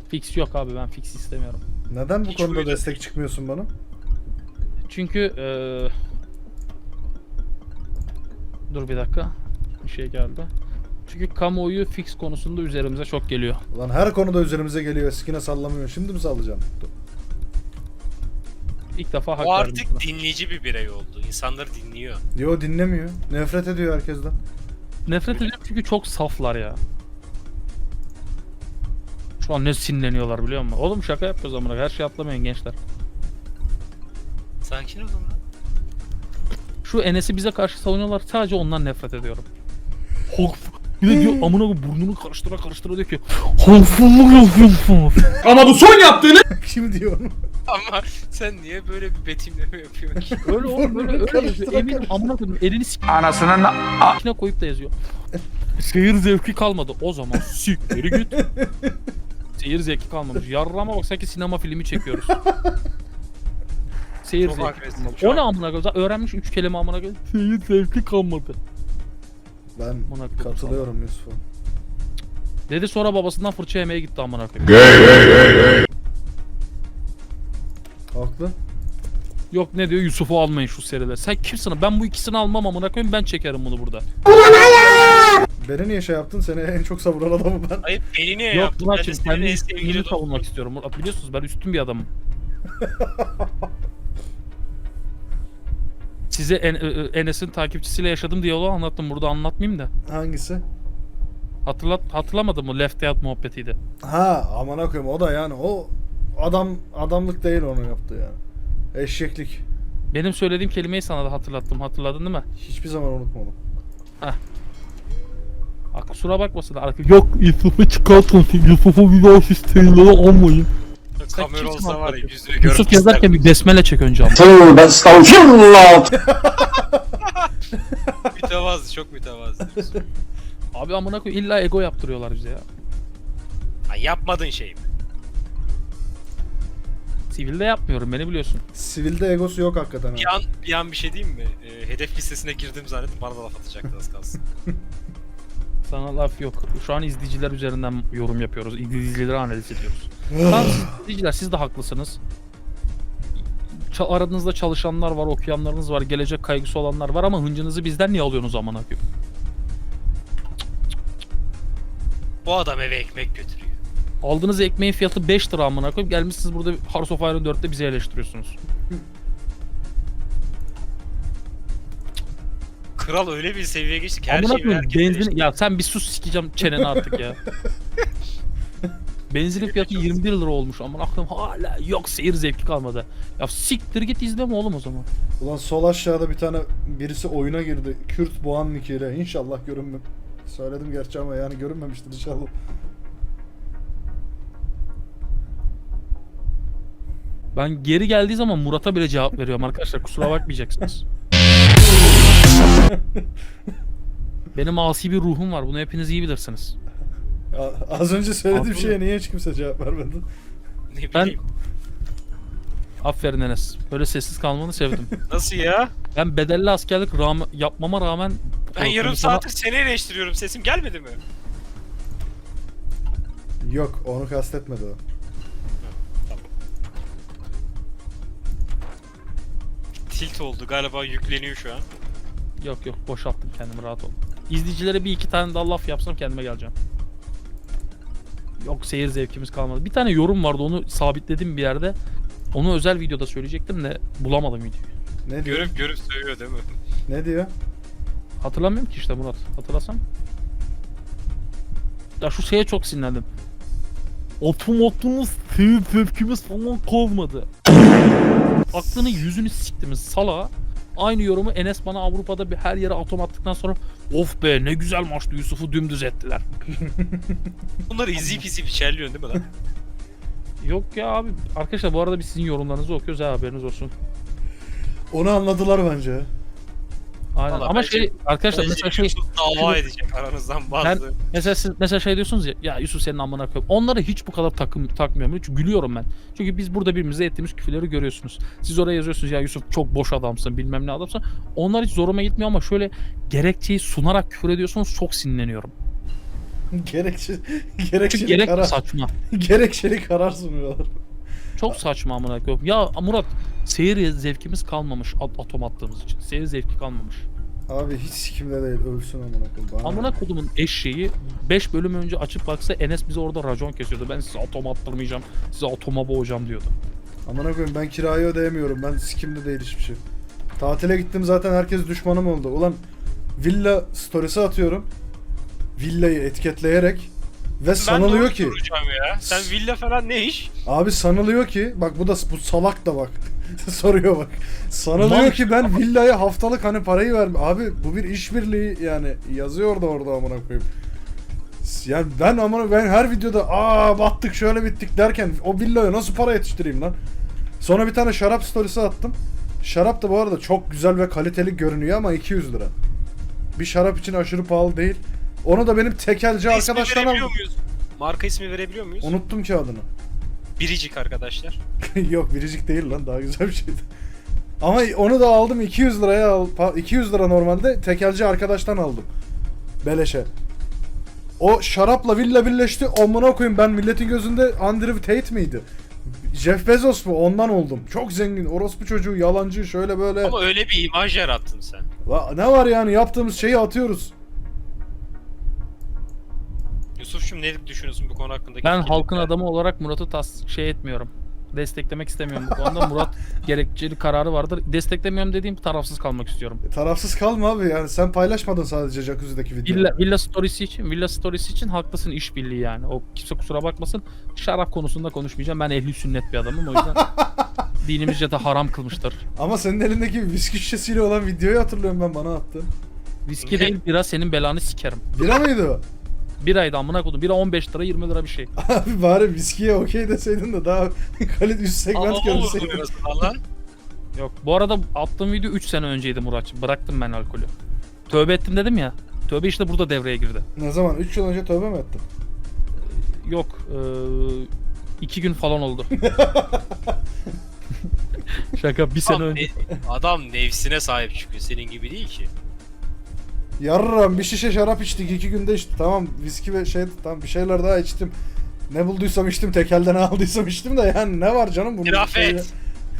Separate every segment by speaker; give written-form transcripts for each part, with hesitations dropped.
Speaker 1: Fix yok abi, ben fix istemiyorum.
Speaker 2: Neden bu
Speaker 3: Hiç
Speaker 2: konuda
Speaker 3: uydu.
Speaker 2: destek çıkmıyorsun bana?
Speaker 1: Çünkü dur bir dakika. Bir şey geldi. Çünkü kamuoyu fix konusunda üzerimize çok geliyor.
Speaker 2: Ulan her konuda üzerimize geliyor. Eskine sallamıyor. Şimdi mi sallayacaksın?
Speaker 1: İlk defa hak
Speaker 3: O
Speaker 1: verdim sana.
Speaker 3: artık dinleyici bir birey oldu. İnsanları dinliyor.
Speaker 2: Yo, dinlemiyor. Nefret ediyor herkesten.
Speaker 1: Nefret ediyorum çünkü çok saflar ya. Şu an ne sinirleniyorlar biliyor musun? Oğlum şaka yapıyoruz amına. Her şey atlamayın gençler.
Speaker 3: Sakin olun lan.
Speaker 1: Şu Enes'i bize karşı savunuyorlar. Sadece ondan nefret ediyorum. Bir de diyor amına koyayım, burnunu karıştıra diyor ki haksızlık yapıyorsunuz.
Speaker 4: Ama bu son yaptığını
Speaker 2: Kim diyor onu?
Speaker 3: Ama sen niye böyle bir betimleme yapıyorsun ki?
Speaker 1: Öyle oğlum, böyle öyle yazıyor.
Speaker 2: Karıştıra
Speaker 1: Eminim amına koyayım elini
Speaker 4: anasının
Speaker 1: s***ine koyup da yazıyor. Seyir zevki kalmadı. O zaman sikleri git. Seyir zevki kalmamış. Yarrama bak, sanki sinema filmi çekiyoruz. Seyir
Speaker 3: Çok
Speaker 1: zevki
Speaker 3: agresif
Speaker 1: kalmadı.
Speaker 3: şu
Speaker 1: O
Speaker 3: an.
Speaker 1: ne amına koyayım? Zaten öğrenmiş 3 kelime amına koyayım. Seyir zevki kalmadı.
Speaker 2: Ben
Speaker 1: Amına koyayım
Speaker 2: katılıyorum Yusuf'a.
Speaker 1: Dedi, sonra babasından fırça yemeye gitti amına koyayım.
Speaker 2: Haklı.
Speaker 1: Yok ne diyor, Yusuf'u almayın şu seriler. Sen kimsin? Ben bu ikisini almam amına koyayım, ben çekerim bunu burada.
Speaker 2: Beni niye şey yaptın? Seni en çok savunan adamım ben.
Speaker 3: Hayır beni niye
Speaker 1: Yok
Speaker 3: yaptın? Ben de
Speaker 1: Murat'cığım,
Speaker 3: senin
Speaker 1: kendi
Speaker 3: en
Speaker 1: üstünlüğümü
Speaker 3: sevgili
Speaker 1: savunmak
Speaker 3: dostum.
Speaker 1: istiyorum. Murat, biliyorsunuz ben üstün bir adamım. Size Enes'in takipçisiyle yaşadığım diyaloğu anlattım. Burada anlatmayayım da.
Speaker 2: Hangisi?
Speaker 1: Hatırlamadın mı? Left Out muhabbetiydi.
Speaker 2: Ha, amına koyayım, o da yani o adamlık değil onu yaptı yani. Eşeklik.
Speaker 1: Benim söylediğim kelimeyi sana da hatırlattım. Hatırladın değil mi?
Speaker 2: Hiçbir zaman unutmadım.
Speaker 1: Ha, kusura bakmasın. Yok Yusuf'u çıkartın. Yusuf'u bir daha sistemlere almayın. Sen
Speaker 3: Kamera
Speaker 1: kimsin
Speaker 3: olsa var ya
Speaker 1: hakikaten?
Speaker 3: yüzünü görmek
Speaker 1: Yusuf yazarken
Speaker 3: isterdim.
Speaker 1: bir besmele çek önce ama.
Speaker 4: tövbe estağfirullah.
Speaker 3: Mütevazı, çok mütevazı.
Speaker 1: Abi amına koy, illa ego yaptırıyorlar bize ya.
Speaker 3: Ha, yapmadığın şey mi?
Speaker 1: Sivilde yapmıyorum, beni biliyorsun.
Speaker 2: Sivilde egosu yok hakikaten.
Speaker 3: Bir
Speaker 2: Ha.
Speaker 3: an bir şey diyeyim mi? Hedef listesine girdim zannedip bana da laf atacaktı az kalsın.
Speaker 1: Sana laf yok. Şu an izleyiciler üzerinden yorum yapıyoruz. İzleyicileri analiz ediyoruz. Tamam, siz izleyiciler, siz de haklısınız. Aranızda çalışanlar var, okuyanlarınız var, gelecek kaygısı olanlar var ama hıncınızı bizden niye alıyorsunuz amına koyayım?
Speaker 3: Bu adam eve ekmek götürüyor.
Speaker 1: Aldığınız ekmeğin fiyatı 5 lira amına koyayım. Gelmişsiniz burada Hearts of Iron 4'te bizi eleştiriyorsunuz.
Speaker 3: Kral öyle bir seviyeye geçti ki her
Speaker 1: Amına
Speaker 3: şeyi
Speaker 1: koyayım,
Speaker 3: herkes
Speaker 1: benzin...
Speaker 3: eleştiriyor.
Speaker 1: Ya sen bir sus, sikeceğim çeneni artık ya. Benzinin fiyatı 21 lira olmuş amına koyayım, hala yok seyir zevki kalmadı. Ya siktir git, izleme oğlum o zaman.
Speaker 2: Ulan sol aşağıda bir tane birisi oyuna girdi. Kürt Boğan nickiyle. İnşallah görünmem. Söyledim gerçi ama yani görünmemiştir inşallah.
Speaker 1: Ben geri geldiği zaman Murat'a bile cevap veriyorum arkadaşlar, kusura bakmayacaksınız. Benim asi bir ruhum var, bunu hepiniz iyi bilirsiniz.
Speaker 2: Az önce söylediğim
Speaker 1: Haklı.
Speaker 2: şeye niye hiç kimse cevap vermedi?
Speaker 3: Ne
Speaker 1: Ben-
Speaker 3: bileyim.
Speaker 1: Aferin Enes, böyle sessiz kalmanı sevdim.
Speaker 3: Nasıl ya?
Speaker 1: Ben bedelli askerlik yapmama rağmen...
Speaker 3: Ben yarım
Speaker 1: konuşmama-
Speaker 3: saattir seni eleştiriyorum. Sesim gelmedi mi?
Speaker 2: Yok, onu kastetmedi o.
Speaker 3: Tilt oldu galiba, yükleniyor şu an.
Speaker 1: Yok boşalttım kendimi, rahat ol. İzleyicilere bir iki tane daha laf yapsam kendime geleceğim. Yok seyir zevkimiz kalmadı. Bir tane yorum vardı, onu sabitledim bir yerde. Onu özel videoda söyleyecektim de bulamadım videoyu.
Speaker 2: Ne diyor?
Speaker 3: Görüp sövüyor değil mi?
Speaker 2: Ne diyor?
Speaker 1: Hatırlamıyorum ki işte Murat. Hatırlasam. Ya şu şeye çok sinirlendim. Otomatumuz, seyir zevkimiz falan kalmadı. Aklını yüzünü siktimiz salağa. Aynı yorumu Enes bana Avrupa'da bir her yere atom attıktan sonra of be ne güzel maçtı, Yusuf'u dümdüz ettiler.
Speaker 3: Bunları izleyip içerliyorsun değil mi lan?
Speaker 1: Yok ya abi. Arkadaşlar bu arada biz sizin yorumlarınızı okuyoruz ha, haberiniz olsun.
Speaker 2: Onu anladılar bence.
Speaker 1: Aynen.
Speaker 3: Vallahi
Speaker 1: Ama
Speaker 3: bence-
Speaker 1: şey arkadaşlar
Speaker 3: Bence
Speaker 1: mesela şey
Speaker 3: Yusuf dava edecek aranızdan bazı.
Speaker 1: mesela siz mesela şey diyorsunuz ya Yusuf senin amına koyayım. Onları hiç bu kadar takmıyorum. Hiç gülüyorum ben. Çünkü biz burada birbirimize ettiğimiz küfürleri görüyorsunuz. Siz oraya yazıyorsunuz ya Yusuf çok boş adamsın, bilmem ne adamsın. Onlar hiç zoruma gitmiyor ama şöyle gerekçeyi sunarak küfür ediyorsunuz, çok sinirleniyorum.
Speaker 2: Gerekçe,
Speaker 1: Çünkü
Speaker 2: gerekçeli
Speaker 1: gerek
Speaker 2: karar.
Speaker 1: saçma.
Speaker 2: Gerekçeli karar sunuyorlar.
Speaker 1: Çok saçma amına koyayım. Ya Murat, seyir zevkimiz kalmamış atom attığımız için. Seyir zevki kalmamış.
Speaker 2: Abi hiç sikimde değil, ölsün amına koyayım. Bana
Speaker 1: Amına kodumun eşeği 5 bölüm önce açıp baksa Enes bize orada racon kesiyordu. Ben size atom attırmayacağım, size atoma boğacağım diyordu.
Speaker 2: Amına koyayım, ben kirayı ödeyemiyorum. Ben sikimde değil hiçbir şey. Tatile gittim zaten, herkes düşmanım oldu. Ulan villa storiesi atıyorum. Villayı etiketleyerek ve sanılıyor ki
Speaker 3: Ya. Sen villa falan ne iş?
Speaker 2: abi sanılıyor ki bak bu salak da bak soruyor bak. Sanılıyor
Speaker 1: Mal-
Speaker 2: ki ben villaya haftalık hani parayı abi bu bir işbirliği yani, yazıyor da orada amına koyayım. Yani ben her videoda battık şöyle bittik derken o villaya nasıl para yetiştireyim lan? Sonra bir tane şarap storiesi attım. Şarap da bu arada çok güzel ve kaliteli görünüyor ama 200 lira. Bir şarap için aşırı pahalı değil. Onu da benim tekelci arkadaştan aldım.
Speaker 3: Muyuz? Marka ismi verebiliyor muyuz?
Speaker 2: Unuttum ki adını.
Speaker 3: Biricik arkadaşlar.
Speaker 2: Yok biricik değil lan, daha güzel bir şeydi. Ama onu da aldım 200 liraya 200 lira normalde tekelci arkadaştan aldım. Beleşe. O şarapla villa birleşti. Amına koyayım, ben milletin gözünde Andrew Tate miydi? Jeff Bezos mu? Ondan oldum. Çok zengin. Orospu çocuğu, yalancı, şöyle böyle.
Speaker 3: Ama öyle bir imaj yarattın sen.
Speaker 2: Ne var yani, yaptığımız şeyi atıyoruz.
Speaker 3: Yusuf'cum ne düşünüyorsun bu konu hakkında?
Speaker 1: Ben halkın adamı olarak Murat'ı etmiyorum. Desteklemek istemiyorum bu konuda. Murat gerekçeli kararı vardır. Desteklemiyorum dediğim tarafsız kalmak istiyorum.
Speaker 2: Tarafsız kalma abi, yani sen paylaşmadın sadece Jacuzzi'deki videoyu.
Speaker 1: Villa storiesi için haklısın, işbirliği yani. O kimse kusura bakmasın. Şarap konusunda konuşmayacağım. Ben ehli sünnet bir adamım, o yüzden dinimizce de haram kılmıştır.
Speaker 2: Ama senin elindeki viski şişesiyle olan videoyu hatırlıyorum ben, bana attın.
Speaker 1: Viski değil bira, senin belanı sikerim.
Speaker 2: Bira mıydı o?
Speaker 1: Biraydı amına kodum. Bira 15 lira 20 lira bir şey.
Speaker 2: Abi bari viskiye okey deseydin de daha kalite üst segment görseydin.
Speaker 3: Lan.
Speaker 1: Yok, bu arada attığım video 3 sene önceydi Muratçım. Bıraktım ben alkolü. Tövbe ettim dedim ya. Tövbe işte burada devreye girdi.
Speaker 2: Ne zaman? 3 yıl önce tövbe mi ettin?
Speaker 1: Yok, 2 gün falan oldu. Şaka, bir sene önce.
Speaker 3: Adam nefsine sahip çıkıyor. Senin gibi değil ki.
Speaker 2: Yarram bir şişe şarap içtik 2 günde içtik. Tamam viski ve tamam bir şeyler daha içtim. Ne bulduysam içtim, tekelden ne aldıysam içtim de yani ne var canım bunun şeyi?
Speaker 3: Kirafet.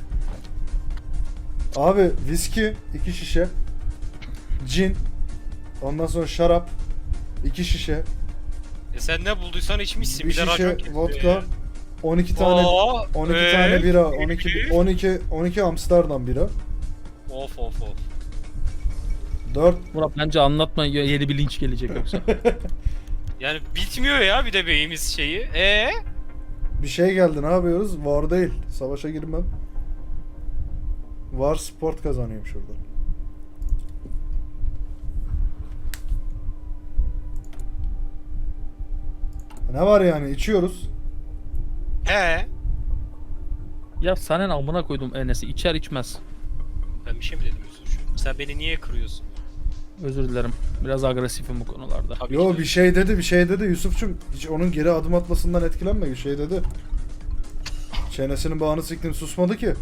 Speaker 2: Abi viski 2 şişe. Cin. Ondan sonra şarap 2 şişe.
Speaker 3: Sen ne bulduysan içmişsin.
Speaker 2: Bir
Speaker 3: Bir de racon
Speaker 2: şişe
Speaker 3: kesiyor
Speaker 2: vodka.
Speaker 3: ya.
Speaker 2: 12 tane
Speaker 3: Oo,
Speaker 2: 12 tane bira,
Speaker 3: peki.
Speaker 2: 12 Amsterdam bira.
Speaker 3: Of of of.
Speaker 2: 4
Speaker 1: Murat bence anlatma, yeni bir linç gelecek yoksa.
Speaker 3: Yani bitmiyor ya bir de beyimiz şeyi.
Speaker 2: bir şey geldi, ne yapıyoruz? War değil. Savaşa girmem. War sport kazanıyorum şurada. Ne var yani, içiyoruz.
Speaker 1: Ya senin amına koydum Enes'i, içer içmez.
Speaker 3: Ben bir şey mi dedim Yusuf'cum? Sen beni niye kırıyorsun?
Speaker 1: Özür dilerim. Biraz agresifim bu konularda.
Speaker 3: Tabii
Speaker 2: Yo
Speaker 3: ki.
Speaker 2: bir şey dedi Yusuf'cum, hiç onun geri adım atmasından etkilenme, bir şey dedi. Çenesinin bağını siktim, susmadı ki.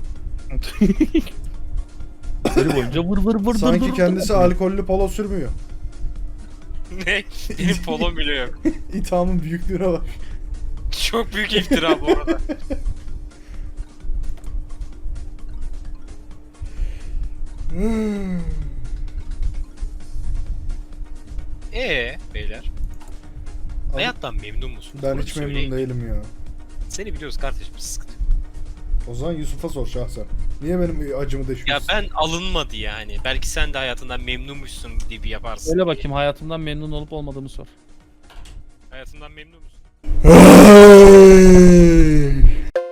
Speaker 1: Böyle boyunca vır vır vır
Speaker 2: Sanki kendisi alkollü polo sürmüyor.
Speaker 3: Ne? Benim polom bile yok.
Speaker 2: İthamın büyüklüğüne bak.
Speaker 3: Çok büyük iftira bu arada. Beyler. Hayattan memnun musun?
Speaker 2: Ben
Speaker 3: Bunu
Speaker 2: hiç
Speaker 3: söyleyin.
Speaker 2: memnun değilim ya.
Speaker 3: Seni biliyoruz kardeşim, sıkıntı yok.
Speaker 2: O zaman Yusuf'a sor şahsen. Niye benim acımı
Speaker 3: Ya
Speaker 2: deşiyorsun?
Speaker 3: ben alınmadı yani. Belki sen de hayatından memnunmuşsun gibi yaparsın.
Speaker 1: Öyle
Speaker 3: diye.
Speaker 1: bakayım, hayatımdan memnun olup olmadığımı sor.
Speaker 3: Hayatından memnun musun?
Speaker 2: Hey!